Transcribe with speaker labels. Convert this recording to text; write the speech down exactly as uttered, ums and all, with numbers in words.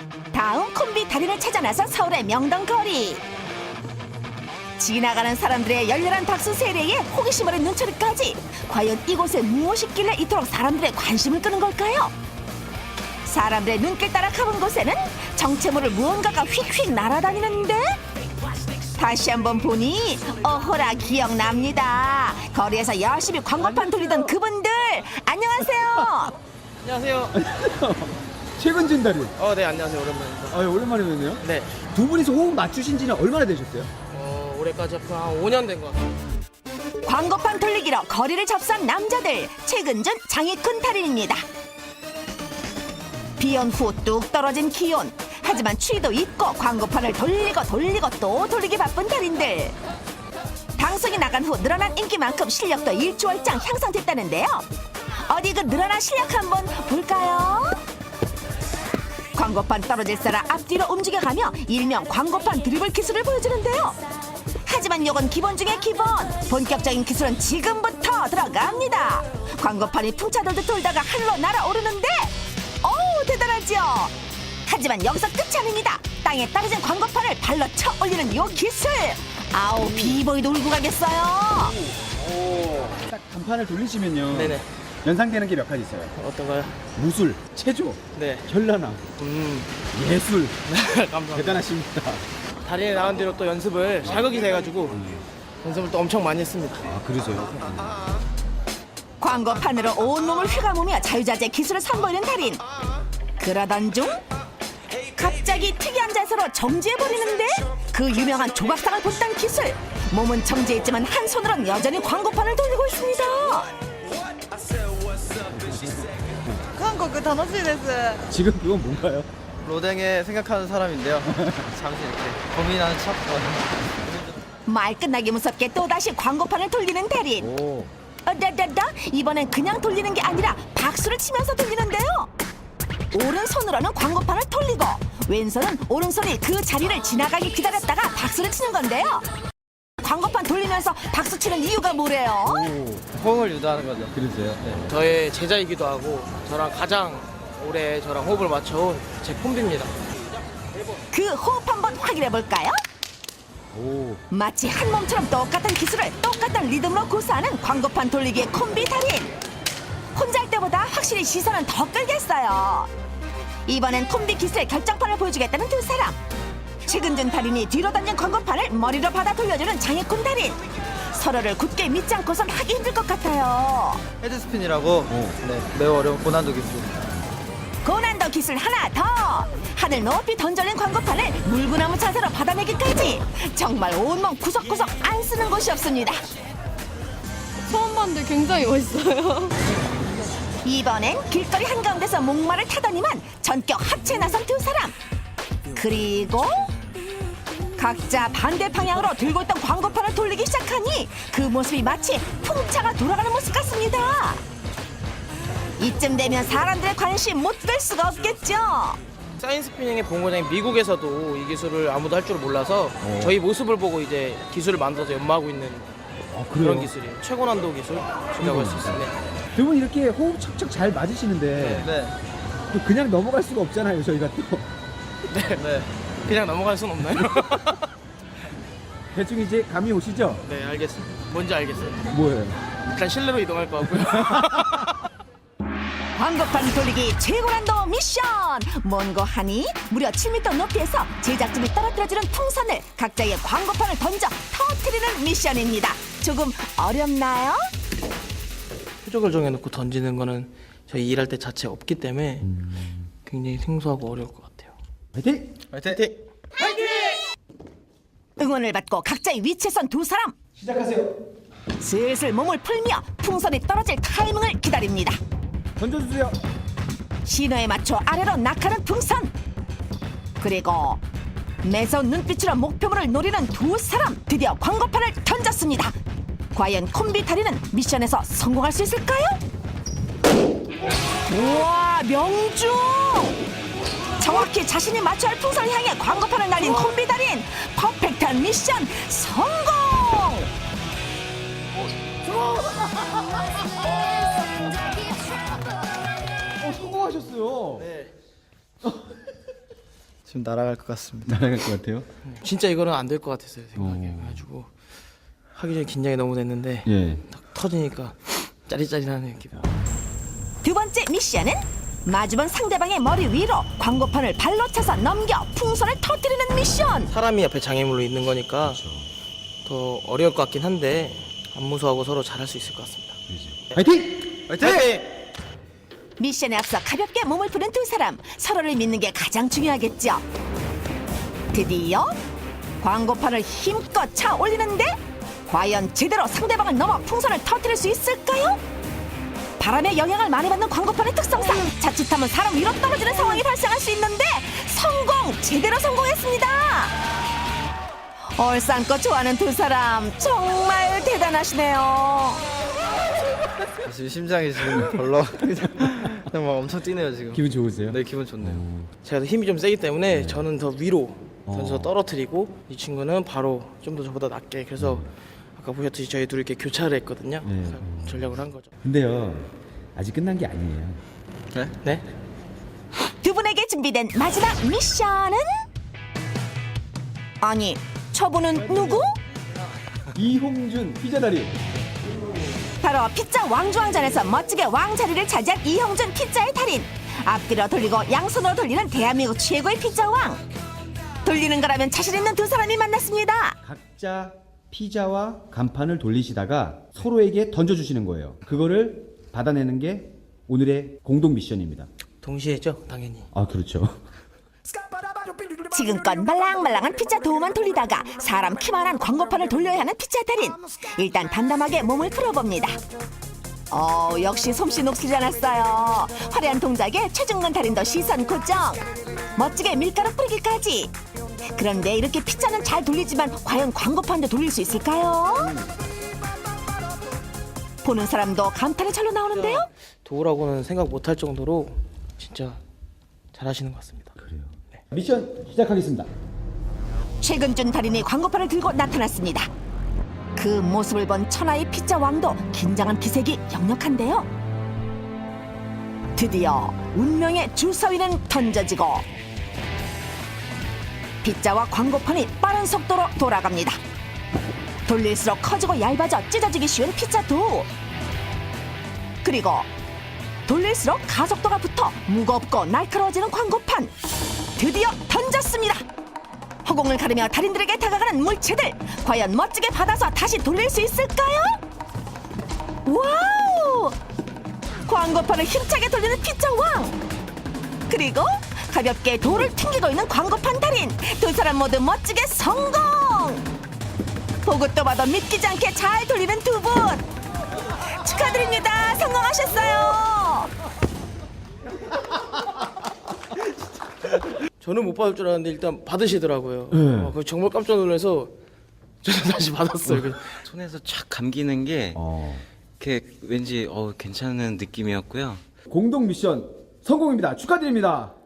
Speaker 1: 다음 콤비 달인을 찾아 나선 서울의 명동거리. 지나가는 사람들의 열렬한 박수 세례에 호기심 어린 눈초리까지. 과연 이곳에 무엇이 있길래 이토록 사람들의 관심을 끄는 걸까요? 사람들의 눈길 따라 가본 곳에는 정체 모를 무언가가 휙휙 날아다니는데, 다시 한번 보니 어허라 기억납니다. 거리에서 열심히 광고판 돌리던 그분들. 안녕하세요.
Speaker 2: 안녕하세요.
Speaker 3: 최근진 달인.
Speaker 2: 어, 네, 안녕하세요. 오랜만입니다.
Speaker 3: 아, 오랜만에 뵙네요.
Speaker 2: 네.
Speaker 3: 두 분이서 호흡 맞추신 지는 얼마나 되셨어요?
Speaker 2: 어, 올해까지 한 오 년 된 것 같아요.
Speaker 1: 광고판 돌리기로 거리를 접수한 남자들. 최근준 장익훈 달인입니다. 비온 후 뚝 떨어진 기온. 하지만 추위도 있고 광고판을 돌리고 돌리고 또 돌리기 바쁜 달인들. 방송이 나간 후 늘어난 인기만큼 실력도 일주월장 향상됐다는데요. 어디 그 늘어난 실력 한번 볼까요? 광고판 떨어질 사람 앞뒤로 움직여가며 일명 광고판 드리블 기술을 보여주는데요. 하지만 이건 기본 중에 기본. 본격적인 기술은 지금부터 들어갑니다. 광고판이 풍차돌듯 돌다가 하늘로 날아오르는데, 어우 대단하죠. 하지만 여기서 끝이 아닙니다. 땅에 떨어진 광고판을 발로 쳐 올리는 요 기술. 아우 비보이도 울고 가겠어요.
Speaker 3: 딱 간판을 돌리시면요.
Speaker 2: 네네.
Speaker 3: 연상되는 게 몇 가지 있어요.
Speaker 2: 어떤가요?
Speaker 3: 무술, 체조,
Speaker 2: 네.
Speaker 3: 현란함,
Speaker 2: 음.
Speaker 3: 예술.
Speaker 2: 감사합니다.
Speaker 3: 대단하십니다.
Speaker 2: 달인에 나간 뒤로 또 연습을 자극이 돼가지고 연습을 또 엄청 많이 했습니다.
Speaker 3: 아, 그러세요?
Speaker 1: 광고판으로 온몸을 휘감으며 자유자재 기술을 선보이는 달인. 그러던 중 갑자기 특이한 자세로 정지해버리는데, 그 유명한 조각상을 본딴 기술. 몸은 정지했지만 한 손으로는 여전히 광고판을 돌리고 있습니다.
Speaker 4: 韓国楽しいです。
Speaker 3: 지금 그건 뭔가요?
Speaker 5: 로댕에 생각하는 사람인데요. 잠시 이렇게 고민하는 척.
Speaker 1: 말 끝나기 무섭게 또다시 광고판을 돌리는 달인.
Speaker 3: 오.
Speaker 1: 어다다다, 이번엔 그냥 돌리는 게 아니라 박수를 치면서 돌리는데요. 오른손으로는 광고판을 돌리고 왼손은 오른손이 그 자리를 지나가기 기다렸다가 박수를 치는 건데요. 광고판 돌리면서 박수 치는 이유가 뭐래요?
Speaker 5: 호응을 유도하는 거죠.
Speaker 3: 그러세요?
Speaker 5: 네.
Speaker 2: 저의 제자이기도 하고 저랑 가장 오래 저랑 호흡을 맞춰온 제 콤비입니다.
Speaker 1: 그 호흡 한번 확인해 볼까요?
Speaker 3: 오.
Speaker 1: 마치 한 몸처럼 똑같은 기술을 똑같은 리듬으로 구사하는 광고판 돌리기의 콤비 달인. 혼자 할 때보다 확실히 시선은 더 끌겠어요. 이번엔 콤비 기술의 결정판을 보여주겠다는 두 사람. 최근준 달인이 뒤로 던진 광고판을 머리로 받아 돌려주는 장익훈 달인. 서로를 굳게 믿지 않고선 하기 힘들 것 같아요.
Speaker 5: 헤드스핀이라고 네, 매우 어려운 고난도 기술.
Speaker 1: 고난도 기술 하나 더. 하늘 높이 던져낸 광고판을 물구나무 자세로 받아내기까지. 정말 온몸 구석구석 안 쓰는 곳이 없습니다.
Speaker 4: 처음 봤는데 굉장히 멋있어요.
Speaker 1: 이번엔 길거리 한가운데서 목마를 타더니만 전격 합체에 나선 두 사람. 그리고 각자 반대 방향으로 들고 있던 광고판을 돌리기 시작하니 그 모습이 마치 풍차가 돌아가는 모습 같습니다. 이쯤 되면 사람들의 관심 못 뺄 수가 없겠죠.
Speaker 2: 사인스피닝의 본고장인 미국에서도 이 기술을 아무도 할 줄 몰라서
Speaker 3: 오.
Speaker 2: 저희 모습을 보고 이제 기술을 만들어서 연마하고 있는
Speaker 3: 아,
Speaker 2: 그런 기술이에요. 최고 난도 기술이라고 할 수 있어요. 네.
Speaker 3: 두 분 이렇게 호흡 척척 잘 맞으시는데
Speaker 5: 네.
Speaker 3: 또 그냥 넘어갈 수가 없잖아요, 저희가 또.
Speaker 2: 네.
Speaker 5: 네.
Speaker 2: 그냥 넘어갈 순 없나요?
Speaker 3: 대충 이제 감이 오시죠?
Speaker 2: 네, 알겠습니다. 뭔지 알겠어요.
Speaker 3: 뭐예요?
Speaker 2: 일단 실내로 이동할 것 같고요.
Speaker 1: 광고판 돌리기 최고난도 미션. 뭔고 하니 무려 칠 미터 높이에서 제작진이 떨어뜨려주는 풍선을 각자의 광고판을 던져 터뜨리는 미션입니다. 조금 어렵나요?
Speaker 2: 표적을 정해놓고 던지는 거는 저희 일할 때 자체 없기 때문에 굉장히 생소하고 어려울 것 같아요.
Speaker 3: 화이팅!
Speaker 5: 화이팅!
Speaker 1: 응원을 받고 각자의 위치에 선 두 사람.
Speaker 3: 시작하세요.
Speaker 1: 슬슬 몸을 풀며 풍선이 떨어질 타이밍을 기다립니다.
Speaker 3: 던져주세요.
Speaker 1: 신호에 맞춰 아래로 낙하는 풍선. 그리고 매서운 눈빛으로 목표물을 노리는 두 사람. 드디어 광고판을 던졌습니다. 과연 콤비 달인은 미션에서 성공할 수 있을까요? 우와, 명중! 정확히 자신이 맞춰야 할 풍선을 향해 광고판을 날린 콤비 달인. 퍼펙트한 미션 성공!
Speaker 3: 어, 성공하셨어요.
Speaker 2: 네.
Speaker 5: 좀 날아갈 것 같습니다.
Speaker 3: 날아갈 것 같아요.
Speaker 2: 진짜 이거는 안 될 것 같았어요 생각에.
Speaker 3: 어.
Speaker 2: 그래가지고 하기 전에 긴장이 너무 됐는데
Speaker 3: 예.
Speaker 2: 딱 터지니까 짜릿짜릿하네요 기분.
Speaker 1: 두 번째 미션은 마주본 상대방의 머리 위로 광고판을 발로 차서 넘겨 풍선을 터뜨리는 미션.
Speaker 2: 사람이 옆에 장애물로 있는 거니까 더 어려울 것 같긴 한데 안 무서워하고 서로 잘할 수 있을 것 같습니다.
Speaker 3: 화이팅!
Speaker 5: 화이팅!
Speaker 1: 미션에 앞서 가볍게 몸을 푸는 두 사람, 서로를 믿는 게 가장 중요하겠죠. 드디어 광고판을 힘껏 차 올리는데 과연 제대로 상대방을 넘어 풍선을 터뜨릴 수 있을까요? 바람의 영향을 많이 받는 광고판의 특성상 자칫하면 사람 위로 떨어지는 상황이 발생할 수 있는데 성공! 제대로 성공했습니다. 얼싸안고 좋아하는 두 사람 정말 대단하시네요.
Speaker 5: 지금 심장이 지금 벌렁 그냥 막 엄청 뛰네요 지금.
Speaker 3: 기분 좋으세요?
Speaker 5: 네 기분 좋네요.
Speaker 2: 제가 더 힘이 좀 세기 때문에 저는 더 위로 던져서 떨어뜨리고 이 친구는 바로 좀 더 저보다 낮게. 그래서 아까 보셨듯이 저희 둘이 이렇게 교차를 했거든요.
Speaker 3: 네.
Speaker 2: 그래서 전략을 한 거죠.
Speaker 3: 근데요, 아직 끝난 게 아니에요.
Speaker 5: 네?
Speaker 2: 네?
Speaker 1: 두 분에게 준비된 마지막 미션은? 아니, 저분은 누구?
Speaker 3: 이홍준 피자다리.
Speaker 1: 바로 피자 왕중왕전에서 멋지게 왕자리를 차지한 이형준 피자의 달인. 앞뒤로 돌리고 양손으로 돌리는 대한민국 최고의 피자 왕. 돌리는 거라면 자신 있는 두 사람이 만났습니다.
Speaker 3: 각자 피자와 간판을 돌리시다가 서로에게 던져주시는 거예요. 그거를 받아내는 게 오늘의 공동 미션입니다.
Speaker 2: 동시에 했죠? 당연히.
Speaker 3: 아, 그렇죠.
Speaker 1: 지금껏 말랑말랑한 피자 도우만 돌리다가 사람 키만한 광고판을 돌려야 하는 피자 달인. 일단 담담하게 몸을 풀어봅니다. 어, 역시 솜씨 녹슬지 않았어요. 화려한 동작에 최중근 달인도 시선 고정. 멋지게 밀가루 뿌리기까지. 그런데 이렇게 피자는 잘 돌리지만 과연 광고판도 돌릴 수 있을까요? 보는 사람도 감탄의 절로 나오는데요.
Speaker 2: 도우라고는 생각 못할 정도로 진짜 잘하시는 것 같습니다.
Speaker 3: 그래요. 미션 시작하겠습니다.
Speaker 1: 최근준 달인이 광고판을 들고 나타났습니다. 그 모습을 본 천하의 피자 왕도 긴장한 기색이 역력한데요. 드디어 운명의 주사위는 던져지고 피자와 광고판이 빠른 속도로 돌아갑니다. 돌릴수록 커지고 얇아져 찢어지기 쉬운 피자 도우. 그리고 돌릴수록 가속도가 붙어 무겁고 날카로워지는 광고판. 드디어 던졌습니다. 허공을 가르며 달인들에게 다가가는 물체들. 과연 멋지게 받아서 다시 돌릴 수 있을까요? 와우! 광고판을 힘차게 돌리는 피자 왕. 그리고 가볍게 돌을 튕기고 있는 광고판 달인. 두 사람 모두 멋지게 성공! 보고 또 봐도 믿기지 않게 잘 돌리는 두 분. 축하드립니다. 성공하셨어요.
Speaker 2: 저는 못 받을 줄 알았는데 일단 받으시더라고요.
Speaker 3: 네.
Speaker 2: 어, 그거 정말 깜짝 놀라서 저는 다시 받았어요. 그래서
Speaker 6: 손에서 촥 감기는 게
Speaker 3: 어.
Speaker 6: 이렇게 왠지 어, 괜찮은 느낌이었고요.
Speaker 3: 공동 미션 성공입니다. 축하드립니다.